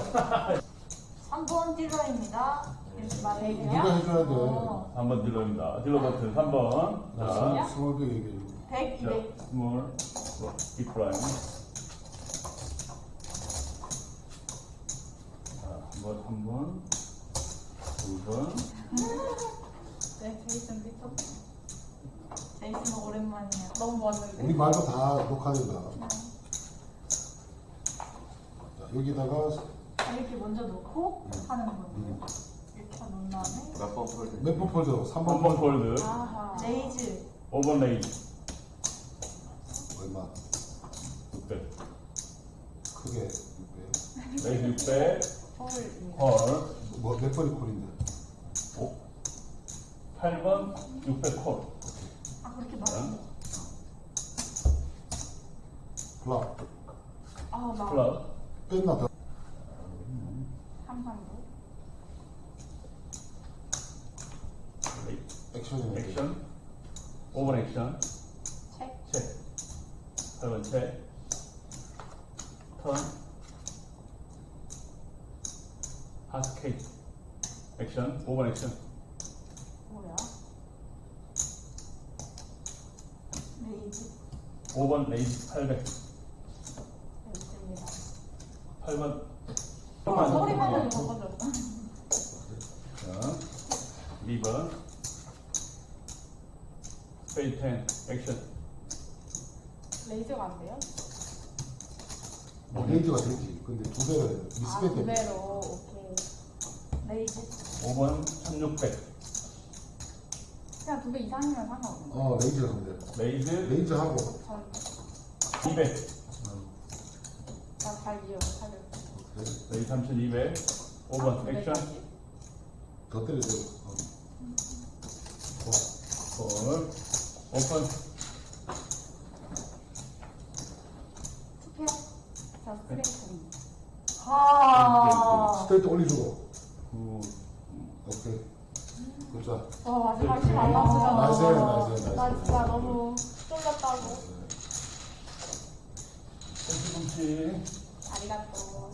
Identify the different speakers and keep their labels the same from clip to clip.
Speaker 1: 3번 딜러입니다. 이렇게 말해주세요.
Speaker 2: 네가 해줘야 돼.
Speaker 3: 3번 딜러입니다. 딜러 버튼 3번. 자,
Speaker 2: 스몰 얘기해.
Speaker 1: 100, 200.
Speaker 3: 스몰, 빅프라임. 자, 한 번, 2번.
Speaker 1: 네, 제이슨 피터. 제이슨 오랜만이에요. 너무 멋있는데.
Speaker 2: 우리 말도 다 녹화된다. 자, 여기다가
Speaker 1: 이렇게 먼저 놓고 하는 거예요. 이렇게 놓은 다음에.
Speaker 4: 몇번 폴드?
Speaker 2: 몇 번 폴드? 3번
Speaker 3: 3번 폴드.
Speaker 1: 아하. 레이즈.
Speaker 3: 5번 레이즈.
Speaker 2: 얼마?
Speaker 3: 600.
Speaker 2: 크게 600.
Speaker 3: 레이즈 600.
Speaker 1: 홀입니다.
Speaker 3: 콜.
Speaker 2: 몇 번이 콜인데?
Speaker 3: 8번 600 콜.
Speaker 1: 아, 그렇게 많이.
Speaker 2: 플랍.
Speaker 1: 아, 나.
Speaker 3: 플러스.
Speaker 2: 뺐나 더?
Speaker 1: 항상도.
Speaker 2: 액션이네.
Speaker 3: 액션. 5번 액션.
Speaker 1: 책.
Speaker 3: 체. 8번 체. 턴. 하스케이트. 액션. 5번 액션.
Speaker 1: 뭐야? 레이즈.
Speaker 3: 5번 레이즈 800.
Speaker 1: 레이즈입니다.
Speaker 3: 8번.
Speaker 1: 소리만 해도 바꿔줘.
Speaker 3: 자, 2번. 스페이드 10. 액션.
Speaker 1: 레이저가 안 돼요?
Speaker 2: 레이즈가 되지. 근데 두 배로 해야 돼.
Speaker 1: 아,
Speaker 2: 리스펙 때문에.
Speaker 1: 그대로. 오케이. 레이즈.
Speaker 3: 5번 1600.
Speaker 1: 그냥 2배 이상이면 상관없는
Speaker 2: 레이즈가 하면 돼.
Speaker 3: 레이즈
Speaker 2: 레이즈하고.
Speaker 1: 전,
Speaker 3: 200.
Speaker 1: 나잘 이해요. 살려.
Speaker 3: 레이즈 3200. 5번 액션.
Speaker 2: 더 때려야 돼.
Speaker 3: 콜. 오픈.
Speaker 1: 투표. 자, 스트레이트입니다.
Speaker 3: 아.
Speaker 1: 하.
Speaker 2: 스트레이트 올려주고.
Speaker 3: 9.
Speaker 2: 오케이. 굿자.
Speaker 1: 마지막 힘안 났으면.
Speaker 2: 나이스.
Speaker 1: 나 진짜 너무 쫄렸다고.
Speaker 3: 꼼치꼼치.
Speaker 1: 아리가또.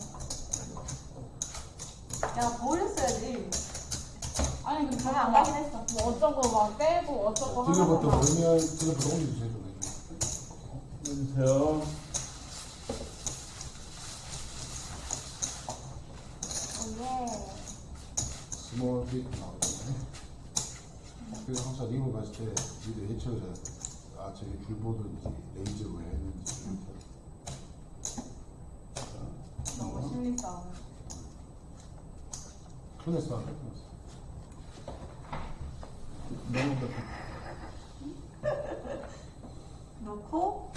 Speaker 1: 야, 보였어야지. 아니, 근데 전혀 안 가긴 했어. 뭐 어쩌고 막 빼고 어쩌고
Speaker 2: 딜러부터
Speaker 1: 하다가.
Speaker 2: 걸면 딜러부터 올려주세요.
Speaker 3: 해주세요.
Speaker 1: 예.
Speaker 2: 스몰 빅 나오잖아요. 그래서 항상 리그 갔을 때 니들 해쳐서 저기 줄 보든지 레이저 왜 했는지
Speaker 1: 너무 심리 싸움.
Speaker 2: 클래스 안 했어.
Speaker 3: 너무 좋다.
Speaker 1: 넣고,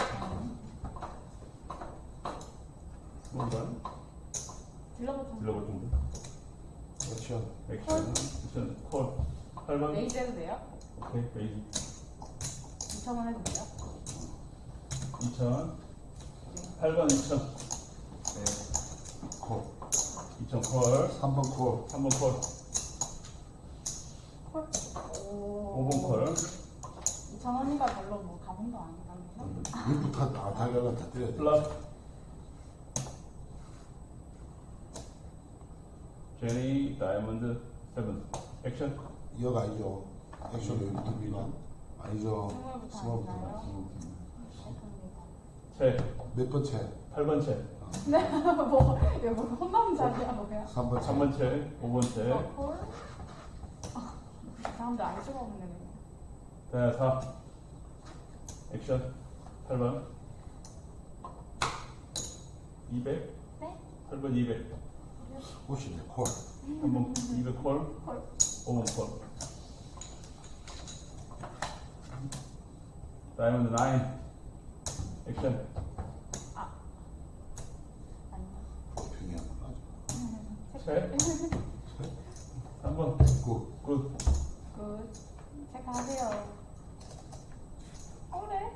Speaker 3: 뭔가?
Speaker 1: 딜러부터.
Speaker 3: 딜러버튼데.
Speaker 2: 액션.
Speaker 3: 액션. 액션. 콜. 8번.
Speaker 1: 레이즈 해도 돼요?
Speaker 3: 오케이. 레이즈.
Speaker 1: 2,000원 해도 돼요?
Speaker 3: 2000. 8번 2000.
Speaker 2: 네. 콜.
Speaker 3: 2000 콜.
Speaker 2: 3번 콜.
Speaker 3: 3번 콜.
Speaker 1: 콜?
Speaker 3: 5번 콜.
Speaker 1: 2,000원이가 별로 뭐 가는 거 아니라면서?
Speaker 2: 일부터 다 달려가 다 때려야 돼.
Speaker 3: 플러스. 제니 다이아몬드 7. 액션.
Speaker 2: 이어가 아니죠. 액션 여기부터 미나 아니죠.
Speaker 1: 스몰부터
Speaker 2: 스몰부터.
Speaker 1: 아닌가요?
Speaker 2: 스몰부터.
Speaker 3: 채.
Speaker 2: 몇 번 채?
Speaker 3: 8번 채.
Speaker 1: 네, 뭐, 이거 뭐 혼남자리야, 뭐야?
Speaker 2: 3번 채.
Speaker 3: 3번 채. 5번 채.
Speaker 1: 콜? 이 사람들 알 수가 없네,
Speaker 3: 자,
Speaker 1: 그냥.
Speaker 3: 4. 액션. 8번. 200.
Speaker 1: 네?
Speaker 3: 8번 200.
Speaker 2: 옷이네. 콜.
Speaker 3: 3번 200 콜.
Speaker 1: 콜.
Speaker 3: 5번 콜. 다이아몬드 9. 액션.
Speaker 1: 아니요.
Speaker 2: 중요한 거 맞아.
Speaker 3: 채. 3번.
Speaker 2: 굿.
Speaker 3: 굿.
Speaker 1: 굿. 체크하세요. 그래?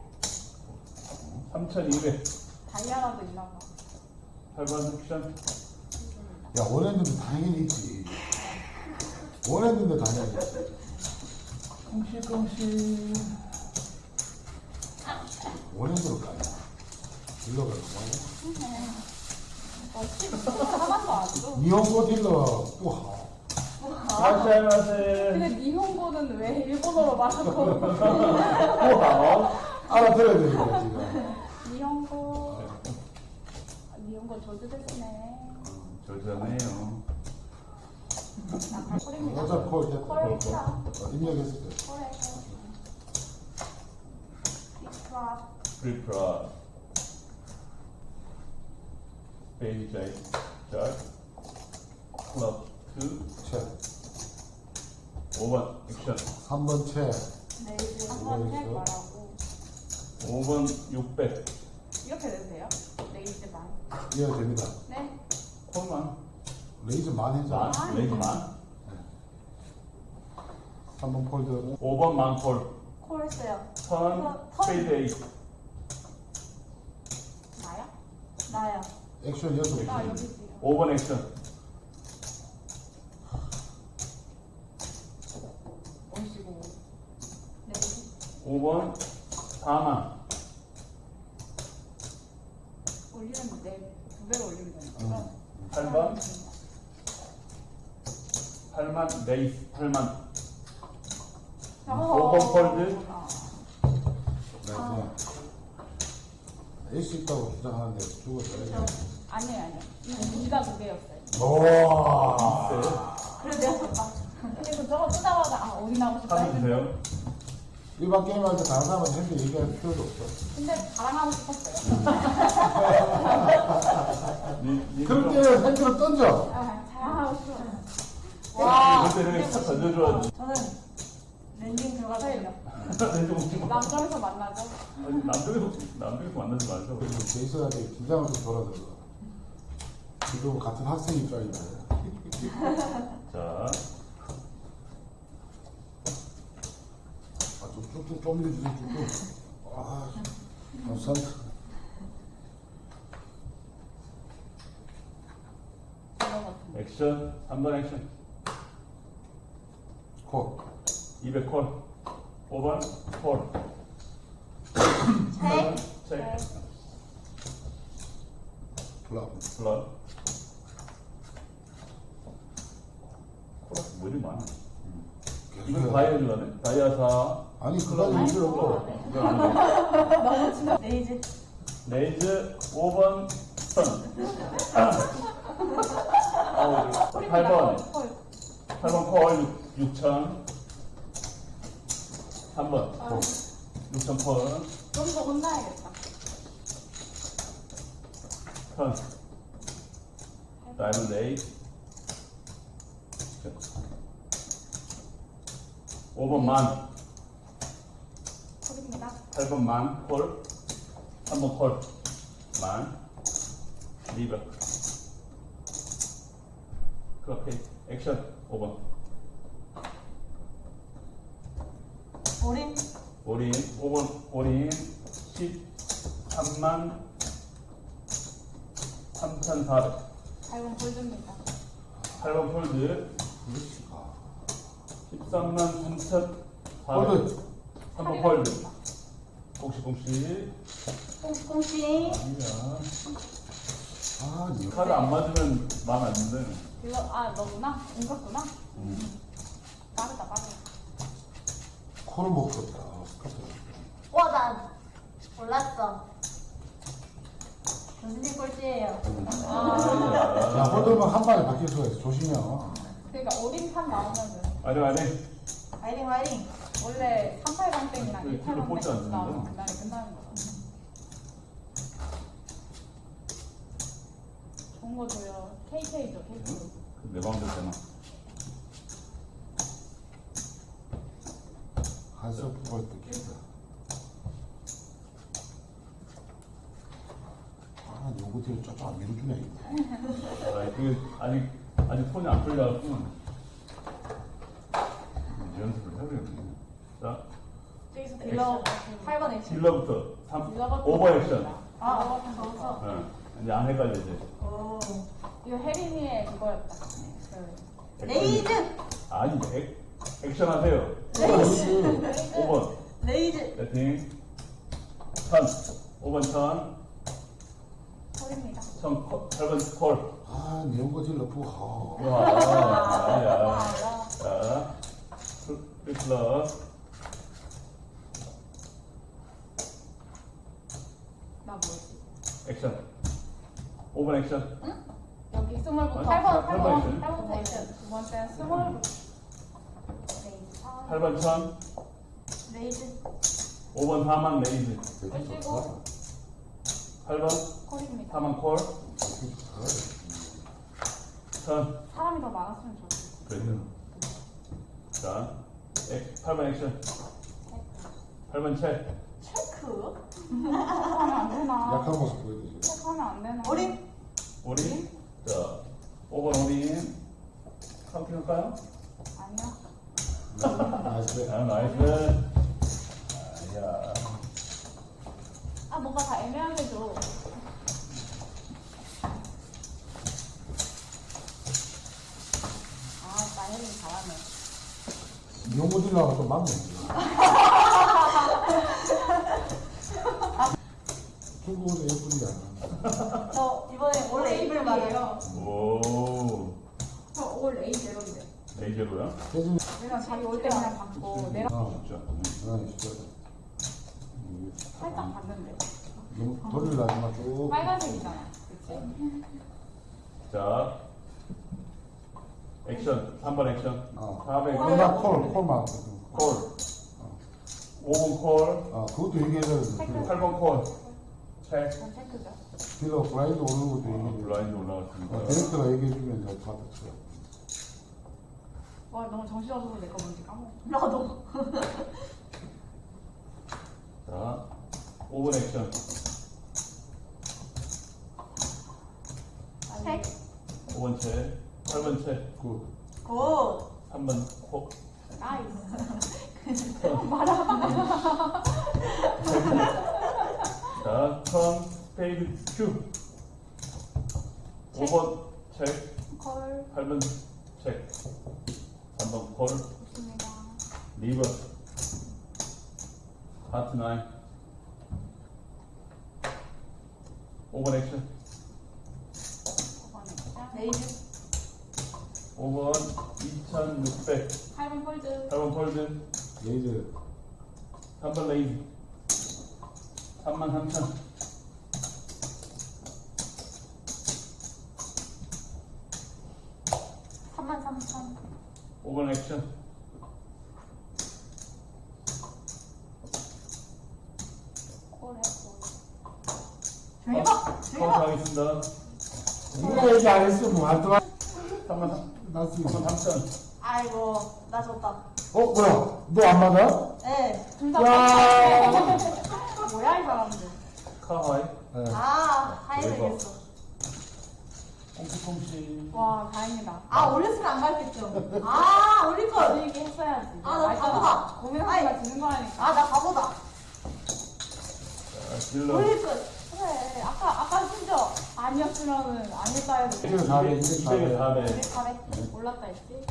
Speaker 3: 3200.
Speaker 1: 다이아라도 있나봐.
Speaker 3: 8번 액션.
Speaker 2: 야, 원했는데 당연히 있지. 원했는데 당연히 있지.
Speaker 3: 공시.
Speaker 2: 원했는 거 아니야. 딜러가 너무
Speaker 1: 하나도 안 줘.
Speaker 2: 니혼고 딜러 뿌하.
Speaker 3: 아시아마세.
Speaker 1: 근데 니혼고는 왜 일본어로 말하고
Speaker 3: 우와.
Speaker 2: 알아들어야 되니까 지금.
Speaker 1: 니혼고 니혼고 조드됐네.
Speaker 3: 절전해요.
Speaker 1: 나 발코리입니다.
Speaker 2: 어차피 콜 됐다.
Speaker 1: 콜 했다.
Speaker 2: 입력했을 때.
Speaker 1: 콜해. 빅프랍.
Speaker 3: 프리프라. 베이비 자이. 자. 클럽 2.
Speaker 2: 채.
Speaker 3: 5번 액션.
Speaker 2: 3번 채.
Speaker 1: 레이즈
Speaker 2: 이거
Speaker 1: 한번
Speaker 2: 있어?
Speaker 1: 할 거라고.
Speaker 3: 5번 600.
Speaker 1: 이렇게 돼도 돼요? 레이즈만.
Speaker 2: 이해가 됩니다.
Speaker 1: 네.
Speaker 3: 콜만.
Speaker 2: 레이즈만 해줘.
Speaker 3: 만. 레이즈만.
Speaker 2: 3번 폴드.
Speaker 3: 5번 만콜.
Speaker 1: 콜 했어요.
Speaker 3: 턴.
Speaker 1: 턴.
Speaker 3: 스페이드 8.
Speaker 1: 나야? 나야.
Speaker 2: 액션 6개.
Speaker 1: 나 여기 있지.
Speaker 3: 5번 액션.
Speaker 1: 오시고. 레이즈.
Speaker 3: 5번 4만.
Speaker 1: 올리면 두 배로 올리면 되는 거죠?
Speaker 3: 8번 8만 레이스 8만. 5번 폴드.
Speaker 2: 네, 그냥. 에이스 있다고 주장하는데 죽었어요.
Speaker 1: 아니에요. 이가 두 개였어요.
Speaker 2: 오.
Speaker 1: 그래도 내가 졌다. 그리고 저거 쓰다마자 아, 어디 나오고 싶다
Speaker 3: 하면
Speaker 1: 했는데.
Speaker 3: 돼요.
Speaker 2: 일반 게임할 때 다른 사람한테 핸드 얘기할 필요도 없어.
Speaker 1: 근데 자랑하고 싶었어요.
Speaker 2: 그럴 때는 핸드로 던져.
Speaker 1: 아, 자랑하고 싶어요.
Speaker 3: 와. 그때는 딱 던져줘야지.
Speaker 1: 저는 랜딩 들어가서요.
Speaker 3: 랜딩
Speaker 1: 남점에서 만나죠.
Speaker 3: 남쪽에서 만나지 말죠.
Speaker 2: 그리고 제이슨한테 긴장을 좀 덜어들어. 지금 같은 학생 입장이다.
Speaker 3: 자,
Speaker 2: 좀 쭉쭉 좀 밀어주세요, 쭉쭉. 아, 감사합니다.
Speaker 3: 액션 3번 액션.
Speaker 2: 코.
Speaker 3: 200콜. 5번 콜.
Speaker 1: 책.
Speaker 3: 책.
Speaker 2: 블락.
Speaker 3: 블러. 콜라스 뭐 이리 많아. 이건 다이아 줄라네. 다이아 4.
Speaker 2: 아니, 그건 필요 없고.
Speaker 3: 이건 아니고.
Speaker 1: 레이즈.
Speaker 3: 레이즈 5번 선. 8번.
Speaker 1: 콜.
Speaker 3: 8번 콜 6,000. 3번
Speaker 1: 아,
Speaker 3: 6,000 콜.
Speaker 1: 좀더 혼나야겠다.
Speaker 3: 턴. 다이아몬드 8. 5번 만.
Speaker 1: 콜입니다.
Speaker 3: 8번 만 콜. 3번 콜. 만. 리버. 그렇게 액션 5번.
Speaker 1: 올인.
Speaker 3: 올인 5번 올인 13만 3,400.
Speaker 1: 8번 콜드입니다.
Speaker 3: 8번 폴드 13만 3,400.
Speaker 2: 폴드.
Speaker 3: 3번 폴드. 공시.
Speaker 1: 꽁꽁씨.
Speaker 3: 아니야.
Speaker 2: 아, 니
Speaker 3: 카드 안 맞으면 마음 안 든다.
Speaker 1: 이거, 아, 너구나? 인갔구나? 빠르다, 빠르다.
Speaker 2: 코를 못 풀었다. 스커트.
Speaker 4: 와, 나 몰랐어. 교수님 꼴찌예요.
Speaker 2: 야, 홀드면 한 방에 바뀔 수가 있어. 조심해요.
Speaker 1: 그러니까 올인판 나오면은
Speaker 3: 아니.
Speaker 4: 화이팅, 화이팅.
Speaker 1: 원래 38강땡이랑
Speaker 3: 왜 킬로 뽑지
Speaker 1: 28강땡
Speaker 3: 않는데?
Speaker 1: 나오면 그날에 끝나는 거야. 좋은 거 줘요. KK죠, KK.
Speaker 3: 내 마음대로 되나?
Speaker 2: 한석 뽑을 때 기다. 아, 요거 뒤에 쫙쫙 안 밀어주네, 이거.
Speaker 3: 아, 그게 아직 톤이 안 풀려갖고 연습을 해야 되겠네. 자,
Speaker 1: 저기서 딜러 8번 액션.
Speaker 3: 딜러부터 3,
Speaker 1: 딜러가
Speaker 3: 5번 액션.
Speaker 1: 아, 저기서.
Speaker 3: 네. 이제 안 헷갈려 이제.
Speaker 4: 오.
Speaker 1: 이거 혜린이의 그거였다. 그
Speaker 4: 레이즈!
Speaker 3: 아니, 액션 하세요.
Speaker 4: 레이즈!
Speaker 3: 5번
Speaker 4: 레이즈!
Speaker 3: 배팅 턴. 5번 턴.
Speaker 1: 콜입니다.
Speaker 3: 8번 콜.
Speaker 2: 아, 내용거 질러 부하.
Speaker 3: 와, 아니야. 자, 플러스.
Speaker 1: 나 뭐지?
Speaker 3: 액션. 5번 액션.
Speaker 1: 여기 스몰부터.
Speaker 3: 아,
Speaker 1: 8번,
Speaker 3: 8번
Speaker 1: 8번.
Speaker 3: 액션.
Speaker 1: 8번 액션. 두 번째 스몰.
Speaker 3: 8번 천.
Speaker 4: 레이즈.
Speaker 3: 5번 4만 레이즈.
Speaker 2: 되게
Speaker 1: 끄시고.
Speaker 2: 좋다.
Speaker 3: 8번
Speaker 1: 콜입니다.
Speaker 3: 4만 콜.
Speaker 2: 되게 좋다.
Speaker 3: 천.
Speaker 1: 사람이 더 많았으면 좋겠어.
Speaker 3: 그래요. 자, 8번 액션. 8번 책.
Speaker 4: 체크.
Speaker 1: 체크하면 안 되나?
Speaker 2: 약한 모습 보여주세요.
Speaker 1: 체크하면 안 되나?
Speaker 4: 어린.
Speaker 3: 올인. 자, 5번 올인. 카운팅할까요?
Speaker 1: 아니요.
Speaker 2: 나이스.
Speaker 3: 아, 나이스. 야.
Speaker 1: 아, 뭔가 다 애매하게 줘. 아, 나 혜린이 잘하네.
Speaker 2: 내용거 질러가 좀 많네. 중국어도 예쁜이야.
Speaker 4: 저 이번에 원래 입을 말해요.
Speaker 3: 오.
Speaker 1: 올 레이제로인데.
Speaker 3: 레이저로요?
Speaker 2: 대신,
Speaker 1: 그냥 자기 올 때 그냥 받고 내려
Speaker 3: 진짜.
Speaker 2: 진짜.
Speaker 1: 살짝 봤는데.
Speaker 2: 너무 돌리려지 마, 쭉.
Speaker 1: 빨간색이잖아. 그치?
Speaker 3: 자, 액션. 3번 액션. 400.
Speaker 2: 그러나 콜만.
Speaker 3: 콜. 5번 콜.
Speaker 2: 그것도 얘기해야 되는데.
Speaker 3: 8번 콜. 책.
Speaker 1: 전 체크죠.
Speaker 2: 딜러 블라인드 오는 것도 얘기해.
Speaker 3: 블라인드 올라갔습니다.
Speaker 2: 디렉터가 얘기해주면 내가 다 됐어요.
Speaker 1: 와, 너무 정신없어서 내 거 뭔지 까먹어.
Speaker 4: 나도.
Speaker 3: 자, 5번 액션.
Speaker 4: 책.
Speaker 3: 5번 책. 8번 책.
Speaker 2: 그,
Speaker 4: 굿.
Speaker 3: 3번 콜.
Speaker 1: 나이스.
Speaker 3: 자, 턴, 스페이드, 큐. 5번 책.
Speaker 1: 콜.
Speaker 3: 8번 책. 3번 콜.
Speaker 1: 좋습니다.
Speaker 3: 리버. 하트 9. 5번 액션.
Speaker 1: 5번 액션.
Speaker 4: 레이즈.
Speaker 3: 5번 2600.
Speaker 1: 8번 폴드.
Speaker 3: 8번 폴드.
Speaker 2: 레이즈.
Speaker 3: 3번 레이즈. 33,000.
Speaker 4: 33,000.
Speaker 3: 5번 액션.
Speaker 1: 콜 했고.
Speaker 4: 대박.
Speaker 3: 카운트
Speaker 4: 대박.
Speaker 3: 하겠습니다.
Speaker 2: 이거 얘기 안 했으면 뭐 하더라.
Speaker 3: 33,000. 3,000.
Speaker 4: 아이고 나 졌다.
Speaker 2: 뭐야? 너 안 맞아?
Speaker 4: 네.
Speaker 1: 둘다
Speaker 2: 야.
Speaker 1: 뭐야, 이 사람들.
Speaker 3: 카하이.
Speaker 2: 네.
Speaker 4: 아 하이
Speaker 3: 대박.
Speaker 4: 되겠어.
Speaker 3: 꽁치꽁치.
Speaker 1: 와, 다행이다.
Speaker 4: 아 올렸으면 안 갈겠죠. 아 올릴
Speaker 1: 그
Speaker 4: 걸.
Speaker 1: 얘기 했어야지.
Speaker 4: 아, 나 바보다.
Speaker 1: 고민하다가 지는 거라니까.
Speaker 4: 아 나 바보다.
Speaker 3: 자, 딜러.
Speaker 4: 올릴 걸.
Speaker 1: 그래. 아까 심지어 아니었으면은 아닐까 해도.
Speaker 2: 204배,
Speaker 3: 200에 400.
Speaker 1: 200 올랐다 했지?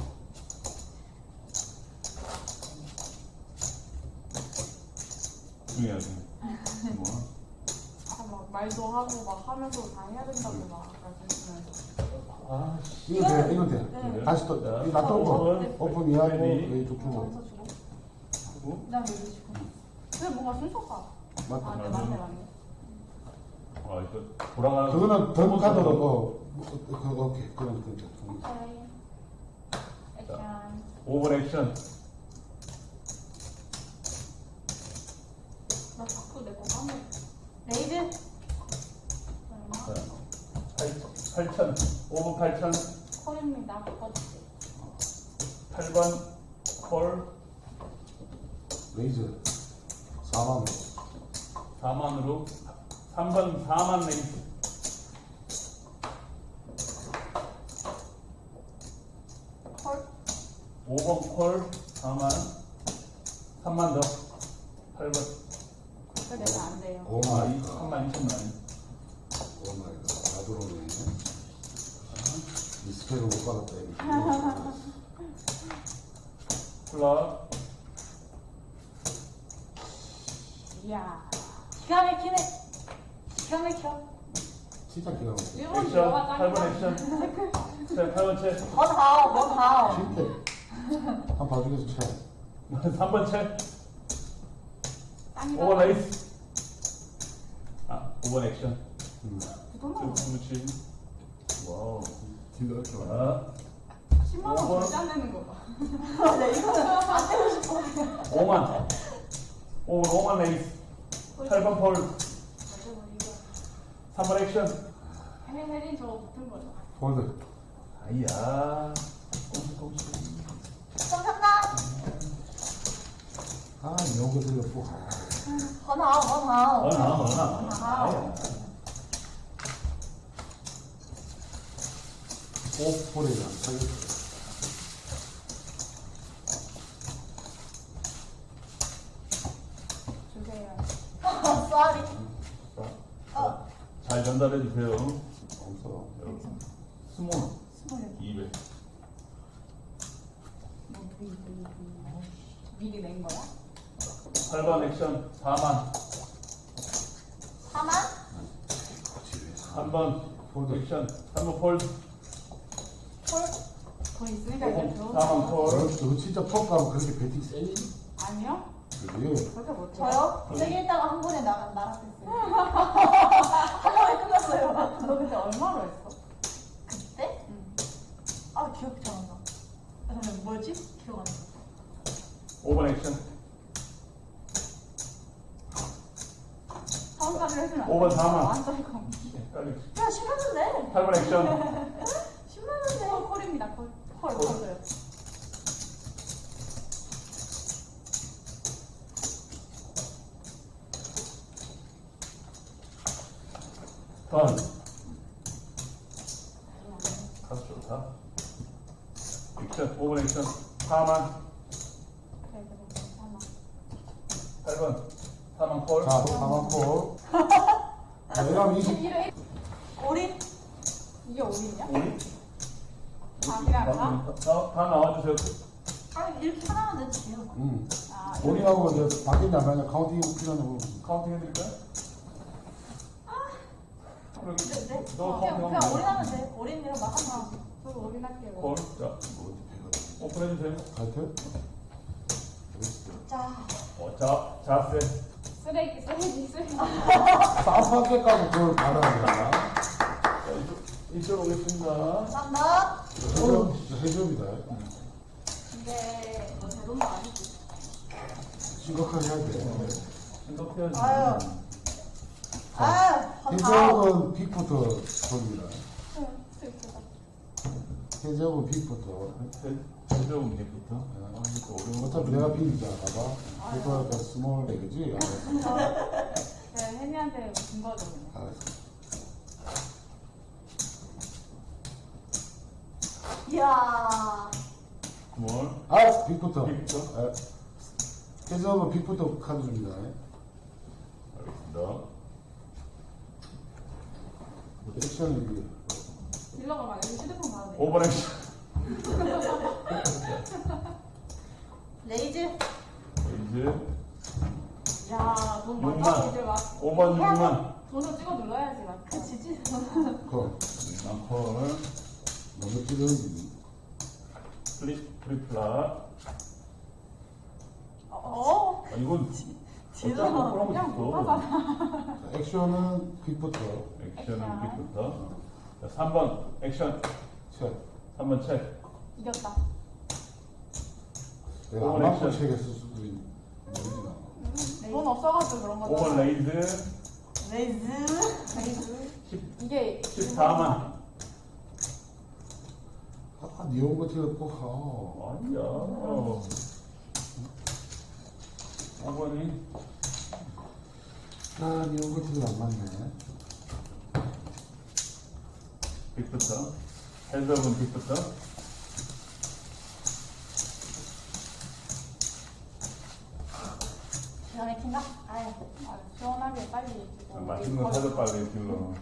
Speaker 3: 중요하지. 뭐.
Speaker 1: 막 말도 하고 막 하면서 다 해야 된다고 막 말씀하시면서.
Speaker 3: 아,
Speaker 2: 이거 돼, 이거 돼.
Speaker 4: 네.
Speaker 2: 다시 또,
Speaker 3: 자,
Speaker 2: 이거 놔둬 거.
Speaker 3: 오픈.
Speaker 2: 오픈 이하고,
Speaker 3: 레디.
Speaker 2: 레이 쭉 주고.
Speaker 4: 점수 주고.
Speaker 3: 하고.
Speaker 1: 그다음에 여기 지금. 근데 뭔가 순서가.
Speaker 2: 맞다.
Speaker 1: 아, 네, 맞네.
Speaker 3: 아, 이거 돌아가는.
Speaker 2: 그거는 던 카드로, 오케이. 그건 그게.
Speaker 1: 오케이. 액션.
Speaker 3: 5번 액션.
Speaker 1: 나 자꾸 내 거 까먹어.
Speaker 4: 레이즈.
Speaker 1: 얼마?
Speaker 3: 자, 8,000. 5번 8,000.
Speaker 1: 콜입니다. 바꿔줄게.
Speaker 3: 8번 콜.
Speaker 2: 레이즈. 4만원.
Speaker 3: 4만으로. 3번 4만 레이스.
Speaker 4: 콜.
Speaker 3: 5번 콜. 4만. 3만 더. 8번.
Speaker 1: 그거 내면 안 돼요.
Speaker 2: 오
Speaker 3: 아,
Speaker 2: 마이
Speaker 3: 3만 2천만.
Speaker 2: 오 마이 갓. 다 들어오네. 이 스펙을 못 받았다, 이거.
Speaker 3: 플랍.
Speaker 1: 이야.
Speaker 4: 기가 막히네. 기가 막혀.
Speaker 2: 진짜 기가 막혀.
Speaker 1: 일본
Speaker 3: 액션.
Speaker 1: 들어가
Speaker 3: 8번
Speaker 1: 짱이다.
Speaker 3: 액션. 체. 8번 체.
Speaker 4: 뭐 다오, 뭐 다오.
Speaker 2: 진짜. 한 봐주면서 쳐.
Speaker 3: 3번 체.
Speaker 1: 짱이다.
Speaker 3: 5번 레이스. 아, 5번 액션.
Speaker 1: 부동산
Speaker 3: 그렇지. 와우.
Speaker 2: 딜러 이렇게 많아.
Speaker 3: 자,
Speaker 1: 10만 원 절대 안 되는 거 봐.
Speaker 4: 네, 이거는 안 되고 싶어.
Speaker 3: 5만. 5번 레이스. 8번 폴. 3번 액션.
Speaker 1: 혜린 저거 붙은 거죠.
Speaker 2: 폴드.
Speaker 3: 아이야. 꼼수.
Speaker 4: 정답.
Speaker 2: 아, 이런 거 들려 또.
Speaker 4: 뭐 다오, 뭐 다오.
Speaker 3: 어나. 아이야.
Speaker 2: 꼭 폴이랑 살렸어.
Speaker 1: 주세요.
Speaker 4: 쏘리.
Speaker 3: 잘 전달해 주세요.
Speaker 2: 없어.
Speaker 3: 여러분. 스몰. 200.
Speaker 1: 미리 낸 거야?
Speaker 3: 8번 액션 4만.
Speaker 4: 4만?
Speaker 3: 3번
Speaker 2: 폴드.
Speaker 3: 액션 3번 폴.
Speaker 1: 돈 있으니까 이제 배우는
Speaker 3: 4번
Speaker 1: 거.
Speaker 3: 폴.
Speaker 2: 너 진짜 퍽 가면 그렇게 배팅 세니?
Speaker 1: 아니요?
Speaker 2: 그지?
Speaker 1: 그렇게 못해.
Speaker 4: 저요? 세개 있다가 한 번에 나갔었어요. 한 번에 끝났어요.
Speaker 1: 너 그때 얼마로 했어?
Speaker 4: 그때?
Speaker 1: 응.
Speaker 4: 아, 기억이 잘 안 나. 아, 근데 뭐였지? 기억 안 나.
Speaker 3: 5번 액션.
Speaker 1: 사원까지 해주면 안
Speaker 3: 5번 4만.
Speaker 1: 완전 컴.
Speaker 3: 헷갈리.
Speaker 4: 야, 10만 원네.
Speaker 3: 8번 액션.
Speaker 4: 10만 원네.
Speaker 1: 콜입니다, 콜.
Speaker 4: 헐, 맞아요.
Speaker 3: 턴. 가수 좋다. 액션 5번 액션 4만.
Speaker 1: 그래, 괜찮아.
Speaker 3: 8번 4만 콜.
Speaker 2: 자, 4만 폴. 내가 20.
Speaker 4: 우리?
Speaker 1: 이게 5인이야?
Speaker 3: 우리?
Speaker 1: 밥이랑 다?
Speaker 3: 다 나와주세요.
Speaker 4: 아, 이렇게 하나만 내주세요.
Speaker 2: 응.
Speaker 1: 아,
Speaker 2: 우리하고 이제 바뀌냐 안 바뀌냐 카운팅 필요하냐고.
Speaker 3: 카운팅 해드릴까요? 그럼
Speaker 4: 네.
Speaker 3: 너
Speaker 4: 그냥
Speaker 3: 카운팅
Speaker 4: 우리
Speaker 3: 하면
Speaker 4: 하면 돼. 우리는 막 하나.
Speaker 1: 저도 5인 할게요.
Speaker 3: 콜. 자, 오픈해주세요.
Speaker 2: 하여튼.
Speaker 4: 자,
Speaker 3: 자세.
Speaker 1: 쓰레기.
Speaker 2: 쌈밖에 까고 그걸 받아야
Speaker 3: 자, 이쪽 오겠습니다.
Speaker 4: 감사합니다.
Speaker 2: 되나? 해줍니다.
Speaker 1: 근데 너 제돈도 아니지?
Speaker 2: 심각하게 해야 돼.
Speaker 3: 생각해야지.
Speaker 4: 아유. 아유,
Speaker 2: 해적은 빅부터 돌립니다.
Speaker 1: 슬프다.
Speaker 2: 해적은 빅부터.
Speaker 3: 해적은 빅부터. 또 어려운
Speaker 2: 어차피 내가 빅이잖아, 봐봐. 해적은 스몰 백이지? 알았어.
Speaker 1: 네, 혜미한테 준 거죠, 그냥.
Speaker 2: 알았어.
Speaker 4: 이야.
Speaker 3: 뭘?
Speaker 2: 아, 빅부터.
Speaker 3: 빅부터?
Speaker 2: 아, 해적은 빅부터 카드 줍니다.
Speaker 3: 알겠습니다.
Speaker 2: 액션이
Speaker 1: 딜러가 막 여기 휴대폰 봐도 돼.
Speaker 3: 5번 액션.
Speaker 4: 레이즈.
Speaker 3: 이제
Speaker 1: 야, 돈 많다고 이제 막
Speaker 3: 5번 6만.
Speaker 1: 돈을 찍어 눌러야지, 막.
Speaker 4: 그치지?
Speaker 2: 콜.
Speaker 3: 콜.
Speaker 2: 너무 찌르는
Speaker 3: 트리플라.
Speaker 4: 어?
Speaker 3: 아, 이건
Speaker 4: 딜러.
Speaker 3: 어쩌고
Speaker 1: 그냥
Speaker 3: 그러고
Speaker 1: 못하잖아.
Speaker 3: 있어.
Speaker 2: 액션은 빅부터.
Speaker 3: 액션은 빅부터. 자, 3번 액션.
Speaker 2: 책.
Speaker 3: 3번 책.
Speaker 1: 이겼다.
Speaker 2: 내가 안
Speaker 3: 오늘
Speaker 2: 맞고
Speaker 3: 액션.
Speaker 2: 책에 쓸 수도 있는. 모르지 나.
Speaker 1: 돈 없어가지고 그런 거잖아.
Speaker 3: 5번 레이즈.
Speaker 4: 레이즈.
Speaker 1: 레이즈.
Speaker 3: 10,
Speaker 1: 이게
Speaker 3: 14만.
Speaker 2: 아, 니온 거 티가 꼭,
Speaker 3: 아니야. 5번이
Speaker 2: 아, 니온 거 티가 안 맞네.
Speaker 3: 빅부터. 해석은 빅부터.
Speaker 4: 기가 막힌가? 아유.
Speaker 1: 아, 시원하게 빨리 주고.
Speaker 3: 맛있는 거 사줘 빨리 딜러.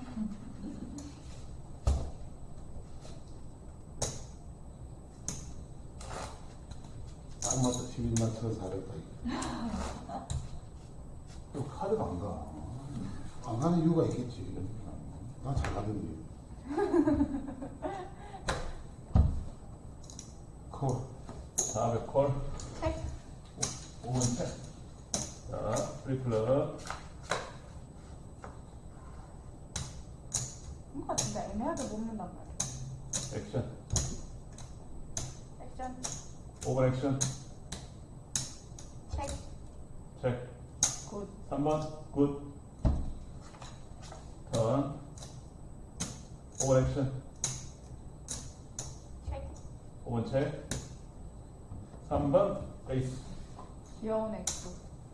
Speaker 2: 딱 맞다. 11만 1,400다. 이거 카드가 안 가. 안 가는 이유가 있겠지. 나 잘하던데. 콜.
Speaker 3: 400 콜.
Speaker 4: 책.
Speaker 3: 5번 책. 자, 프리플러.
Speaker 1: 뭔가 진짜 애매하게 먹는단 말이야.
Speaker 3: 액션.
Speaker 1: 액션.
Speaker 3: 5번 액션.
Speaker 4: 책.
Speaker 3: 책.
Speaker 1: 굿.
Speaker 3: 3번 굿. 턴. 5번 액션.
Speaker 4: 책.
Speaker 3: 5번 책. 3번 에이스.
Speaker 1: 귀여운 액수.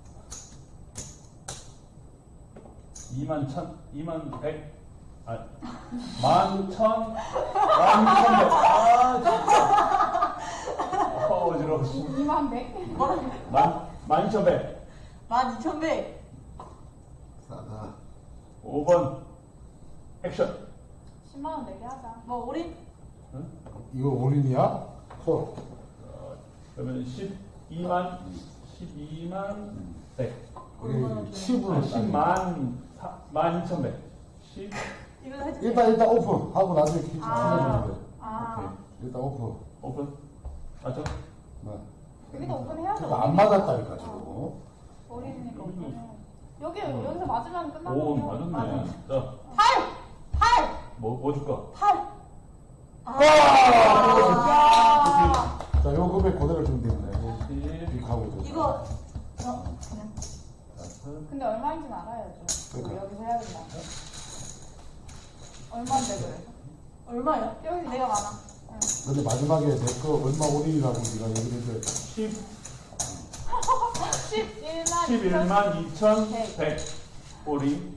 Speaker 3: 2만 1,000, 2만 100, 아, 11,000, 11,100. 아, 진짜. 어지러워.
Speaker 1: 2만 100?
Speaker 3: 12,100.
Speaker 4: 12,100.
Speaker 2: 싸다.
Speaker 3: 5번 액션.
Speaker 1: 10만원 내게 하자.
Speaker 4: 뭐 우리
Speaker 3: 응?
Speaker 2: 이거 올인이야? 콜.
Speaker 3: 그러면 12만 100.
Speaker 2: 우리 칩으로
Speaker 3: 10만 12,100. 10.
Speaker 4: 이거 해줄게.
Speaker 2: 일단 오픈 하고 나중에 퀴즈
Speaker 1: 아.
Speaker 2: 풀어주면 돼.
Speaker 1: 아.
Speaker 2: 일단 오픈.
Speaker 3: 오픈. 맞죠?
Speaker 2: 네.
Speaker 1: 여기도 오픈해야죠.
Speaker 2: 그러니까 안 맞았다니까 지금.
Speaker 1: 어린이니까
Speaker 3: 여기도
Speaker 1: 오픈해. 여기서 맞으면 끝나는
Speaker 3: 오,
Speaker 1: 거야.
Speaker 3: 맞았네. 자,
Speaker 4: 8.
Speaker 3: 뭐 줄까?
Speaker 4: 8.
Speaker 2: 아!
Speaker 1: 야.
Speaker 2: 자, 요 금액 그대로 주면 됩니다.
Speaker 3: 10.
Speaker 2: 이렇게 하고 돼.
Speaker 4: 이거 그냥
Speaker 1: 근데 얼마인지는 알아야죠.
Speaker 2: 그러니까.
Speaker 1: 여기서 해야 된다. 얼마인데 그래서?
Speaker 4: 얼마야?
Speaker 1: 여기
Speaker 4: 내가 많아.
Speaker 2: 근데 마지막에 내 거 얼마 올인이라고 네가 얘기를 해줘야 돼.
Speaker 1: 11만
Speaker 3: 11만 2,100 올인.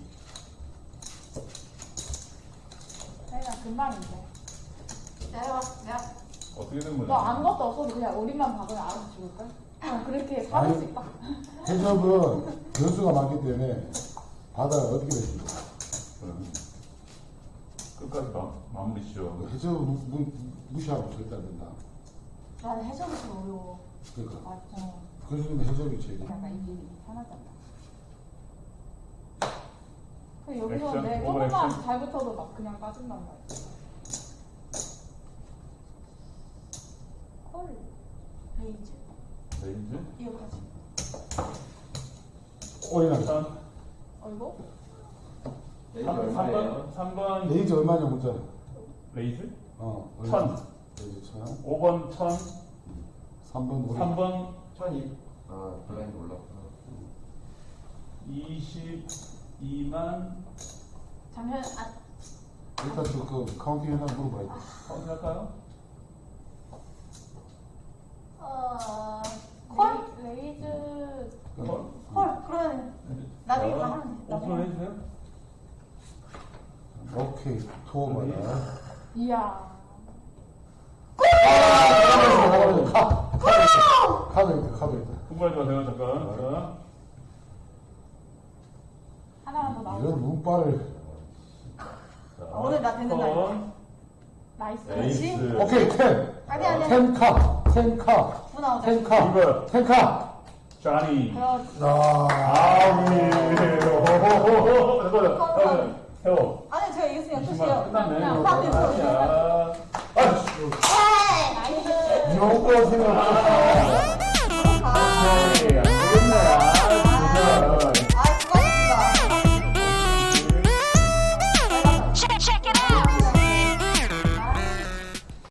Speaker 1: 그냥 금방인데.
Speaker 4: 내가 내가
Speaker 3: 어떻게 된 거야?
Speaker 1: 너 아무것도 없어도 그냥 우리만 박으면 알아서 죽을걸? 그렇게 받을
Speaker 2: 아니.
Speaker 1: 수 있다.
Speaker 2: 해적은 변수가 많기 때문에 바다가 어떻게 될지 몰라.
Speaker 3: 끝까지 마무리 지어.
Speaker 2: 해적은 무시하고 절대 안 된다.
Speaker 4: 나는 해석이 좀 어려워.
Speaker 2: 그러니까.
Speaker 1: 맞아.
Speaker 2: 그래서 해적이 제일.
Speaker 1: 약간 이게 편하잖아. 그 여기서
Speaker 3: 액션,
Speaker 1: 내
Speaker 3: 오버
Speaker 1: 조금만
Speaker 3: 액션.
Speaker 1: 잘 붙어도 막 그냥 빠진단 말이야.
Speaker 4: 콜. 레이즈.
Speaker 3: 레인즈.
Speaker 4: 이거까지.
Speaker 2: 올인하게.
Speaker 3: 천.
Speaker 1: 이거?
Speaker 3: 3번
Speaker 2: 레이즈 얼마냐 문자.
Speaker 3: 레이즈.
Speaker 2: 얼마?
Speaker 3: 1,000.
Speaker 2: 레이즈 1,000.
Speaker 3: 5번 1,000.
Speaker 2: 3번 올인.
Speaker 3: 3번
Speaker 5: 1,002. 아, 블라인드 올랐구나.
Speaker 3: 22만.
Speaker 4: 잠시만.
Speaker 2: 일단 그 카운팅 하나 물어봐야 돼.
Speaker 3: 확인할까요?
Speaker 4: 콜?
Speaker 1: 레이즈
Speaker 3: 콜.
Speaker 4: 콜. 그러면 나중에 다 하면 돼.
Speaker 3: 오픈을 해주세요.
Speaker 2: 오케이. 투어 받아.
Speaker 1: 이야.
Speaker 2: 카드 있다.
Speaker 3: 공부하지 마세요, 잠깐. 자,
Speaker 1: 하나만 더 나오고.
Speaker 2: 이런 눈발을.
Speaker 3: 자,
Speaker 4: 오늘 나 되는 날.
Speaker 3: 턴.
Speaker 1: 나이스.
Speaker 3: 에이스.
Speaker 2: 오케이, 10.
Speaker 4: 아니 아니.
Speaker 2: 10카. 10카.
Speaker 4: 구 나오자.
Speaker 2: 10카.
Speaker 3: 리버.
Speaker 2: 10카.
Speaker 3: 쟈니.
Speaker 1: 그렇지.
Speaker 3: 아우리. 잠깐만. 세워.
Speaker 4: 아니 제가 이겼으니까
Speaker 3: 20만
Speaker 4: 끝이에요.
Speaker 3: 끝났네.
Speaker 4: 그냥
Speaker 3: 아니야. 아이씨.
Speaker 1: 나이스.
Speaker 2: 이런 거 생각.